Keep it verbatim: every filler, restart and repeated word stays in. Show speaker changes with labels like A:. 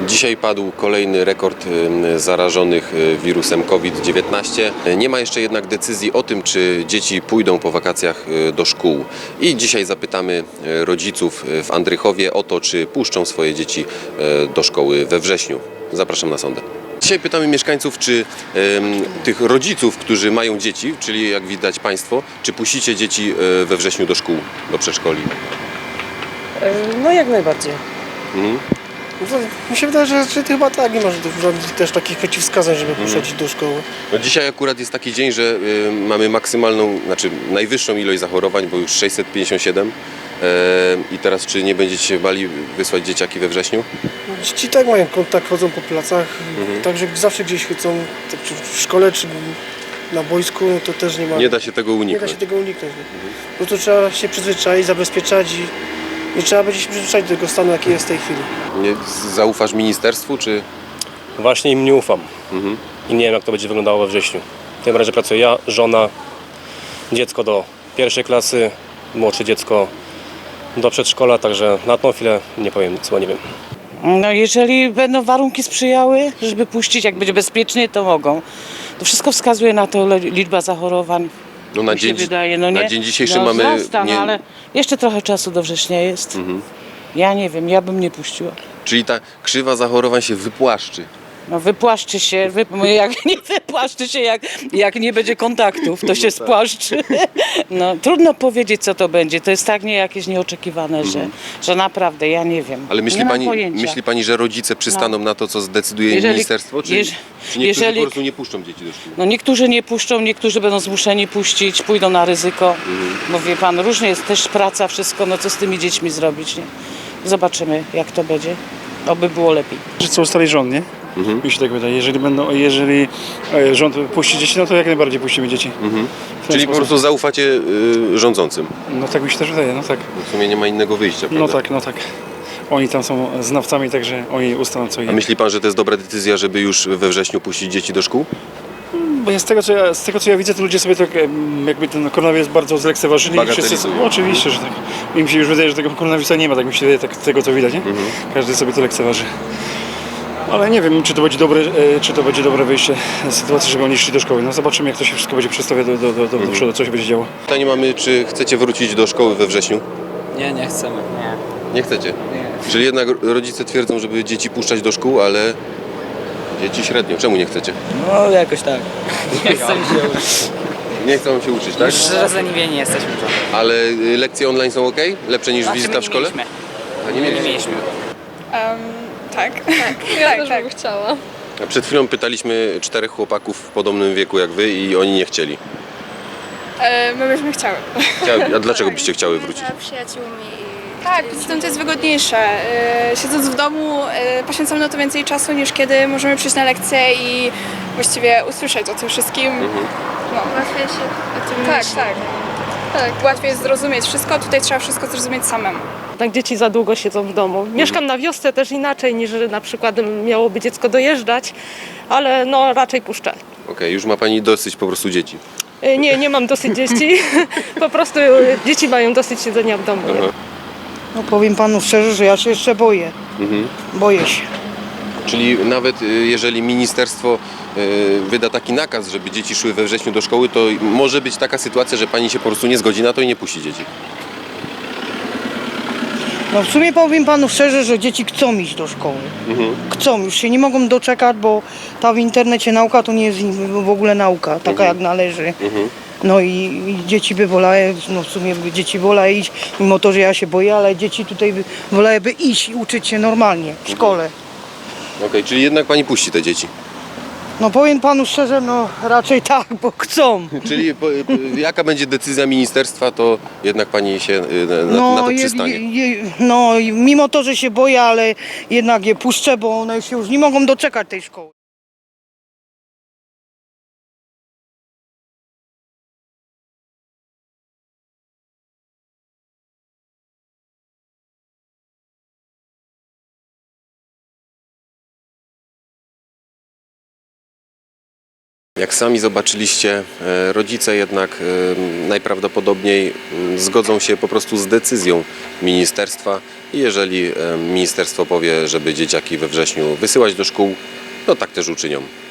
A: Dzisiaj padł kolejny rekord zarażonych wirusem COVID dziewiętnaście. Nie ma jeszcze jednak decyzji o tym, czy dzieci pójdą po wakacjach do szkół. I dzisiaj zapytamy rodziców w Andrychowie o to, czy puszczą swoje dzieci do szkoły we wrześniu. Zapraszam na sondę. Dzisiaj pytamy mieszkańców, czy ym, tych rodziców, którzy mają dzieci, czyli jak widać Państwo, czy puścicie dzieci we wrześniu do szkół, do przedszkoli?
B: No jak najbardziej.
A: Mhm.
B: No, mi się wydaje, że, że chyba tak, nie ma żadnych też takich przeciwwskazań, żeby
A: Mhm.
B: puszczać do szkoły.
A: No dzisiaj akurat jest taki dzień, że y, mamy maksymalną, znaczy najwyższą ilość zachorowań, bo już sześćset pięćdziesiąt siedem. E, I teraz czy nie będziecie się bali wysłać dzieciaki we wrześniu?
B: Dzieci tak mają kontakt, chodzą po placach,
A: Mhm.
B: także zawsze gdzieś chcą, czy w szkole, czy na boisku, no to też nie ma.
A: Nie da się tego
B: nie da
A: uniknąć.
B: się tego uniknąć. Mhm. No to trzeba się przyzwyczaić, zabezpieczać i nie trzeba będzie się przyzwyczaić do tego stanu, jaki jest w tej chwili.
A: Nie, zaufasz ministerstwu, czy...
C: Właśnie im nie ufam
A: Mhm.
C: i nie wiem, jak to będzie wyglądało we wrześniu. W tym razie pracuję ja, żona, dziecko do pierwszej klasy, młodsze dziecko do przedszkola, także na tą chwilę nie powiem nic, bo nie wiem.
D: No jeżeli będą warunki sprzyjały, żeby puścić, jak będzie bezpiecznie, to mogą. To wszystko wskazuje na to le- liczba zachorowań.
A: No na
D: Mi się
A: dzień,
D: wydaje, no
A: na
D: nie?
A: dzień dzisiejszy
D: no,
A: mamy...
D: Wzrasta,
A: nie-
D: no, ale jeszcze trochę czasu do września jest.
A: Mhm.
D: Ja nie wiem, ja bym nie puściła.
A: Czyli ta krzywa zachorowań się wypłaszczy.
D: No wypłaszczy się, wy, jak nie wypłaszczy się, jak, jak nie będzie kontaktów, to się spłaszczy. No trudno powiedzieć, co to będzie. To jest tak nie jakieś nieoczekiwane, że, że naprawdę ja nie wiem.
A: Ale myśli
D: nie mam
A: pani,
D: pojęcia.
A: myśli pani, że rodzice przystaną na to, co zdecyduje
D: Jeżeli-
A: ministerstwo? Czy,
D: jeż-
A: czy niektórzy
D: jeżeli-
A: po prostu nie puszczą dzieci do szkół?
D: No niektórzy nie puszczą, niektórzy będą zmuszeni puścić, pójdą na ryzyko.
A: Mhm.
D: Bo wie pan, różnie jest też praca, wszystko, no co z tymi dziećmi zrobić, nie? Zobaczymy, jak to będzie. Oby było lepiej.
E: Że co ustali rząd, nie?
A: Mhm.
E: Mi się tak wydaje. Jeżeli będą, jeżeli e, rząd puści dzieci, no to jak najbardziej puścimy dzieci.
A: Mhm.
E: W ten
A: Czyli po
E: sposób.
A: prostu zaufacie y, rządzącym.
E: No tak mi się też wydaje, no tak.
A: W sumie nie ma innego wyjścia, prawda?
E: No tak, no tak. Oni tam są znawcami, także oni ustalą co
A: A
E: jest.
A: myśli pan, że to jest dobra decyzja, żeby już we wrześniu puścić dzieci do szkół?
E: Bo ja z tego, co ja, z tego co ja widzę, to ludzie sobie tak em, jakby ten koronawirus bardzo zlekceważyli. i wszyscy
A: Bagatelizują.
E: no, oczywiście, że tak. Mi się już wydaje, że tego koronawirusa nie ma, tak mi się wydaje, tak, z tego co widać, nie?
A: Mhm.
E: Każdy sobie to lekceważy. Ale nie wiem, czy to będzie dobre, e, czy to będzie dobre wyjście z sytuacji, żeby oni szli do szkoły. No zobaczymy, jak to się wszystko będzie przedstawiać do, do, do, do, do przodu, co się będzie działo.
A: Pytanie mamy, czy chcecie wrócić do szkoły we wrześniu?
F: Nie, nie chcemy. Nie.
A: Nie chcecie?
F: Nie.
A: Czyli jednak rodzice twierdzą, żeby dzieci puszczać do szkół, ale dzieci średnio. Czemu nie chcecie?
F: No jakoś tak. Nie chcemy się uczyć.
A: Nie chcą się uczyć, tak?
F: Już rozleniwieni jesteśmy to.
A: Ale y, lekcje online są ok? Lepsze niż
F: Znaczy, my
A: wizyta
F: nie
A: w szkole?
F: mieliśmy.
A: A nie
F: Nie
A: mieliście?
F: mieliśmy.
G: Um, tak. Tak,
H: Ja
G: tak,
H: też
G: tak.
H: bym chciała.
A: A przed chwilą pytaliśmy czterech chłopaków w podobnym wieku jak wy i oni nie chcieli.
G: E, my byśmy chciały.
A: Chciały- A dlaczego byście chciały wrócić?
H: Za przyjaciółmi.
G: Tak, poza tym to jest wygodniejsze. E, siedząc w domu e, poświęcamy na to więcej czasu niż kiedy możemy przyjść na lekcję i właściwie usłyszeć o tym wszystkim. No.
H: Łatwiej się o tym
G: Tak,
H: myśli.
G: tak. Tak, łatwiej jest zrozumieć wszystko, tutaj trzeba wszystko zrozumieć samemu.
I: Tak, dzieci za długo siedzą w domu. Mieszkam na wiosce też inaczej niż na przykład miałoby dziecko dojeżdżać, ale no raczej puszczę.
A: Okej, już ma pani dosyć po prostu dzieci.
I: Y, Nie, nie mam dosyć dzieci. Po prostu y, dzieci mają dosyć siedzenia w domu. Nie?
D: No powiem panu szczerze, że ja się jeszcze boję.
A: Mhm.
D: Boję się.
A: Czyli nawet y, jeżeli ministerstwo y, wyda taki nakaz, żeby dzieci szły we wrześniu do szkoły, to może być taka sytuacja, że pani się po prostu nie zgodzi na to i nie puści dzieci.
D: No w sumie powiem panu szczerze, że dzieci chcą iść do szkoły.
A: Mhm.
D: Chcą, już się nie mogą doczekać, bo ta w internecie nauka to nie jest w ogóle nauka, taka
A: Mhm.
D: jak należy.
A: Mhm.
D: No i, i dzieci by wolały, no w sumie by dzieci wolały iść, mimo to, że ja się boję, ale dzieci tutaj by wolałyby iść i uczyć się normalnie w szkole.
A: Okej, czyli jednak pani puści te dzieci.
D: No powiem panu szczerze, no raczej tak, bo chcą.
A: Czyli po, po, jaka będzie decyzja ministerstwa, to jednak pani się y, na,
D: No,
A: na to
D: je,
A: przystanie.
D: je, je, no i mimo to, że się boję, ale jednak je puszczę, bo one się już nie mogą doczekać tej szkoły.
A: Jak sami zobaczyliście, e, rodzice jednak e, najprawdopodobniej m, zgodzą się po prostu z decyzją ministerstwa i jeżeli e, ministerstwo powie, żeby dzieciaki we wrześniu wysyłać do szkół, to tak też uczynią.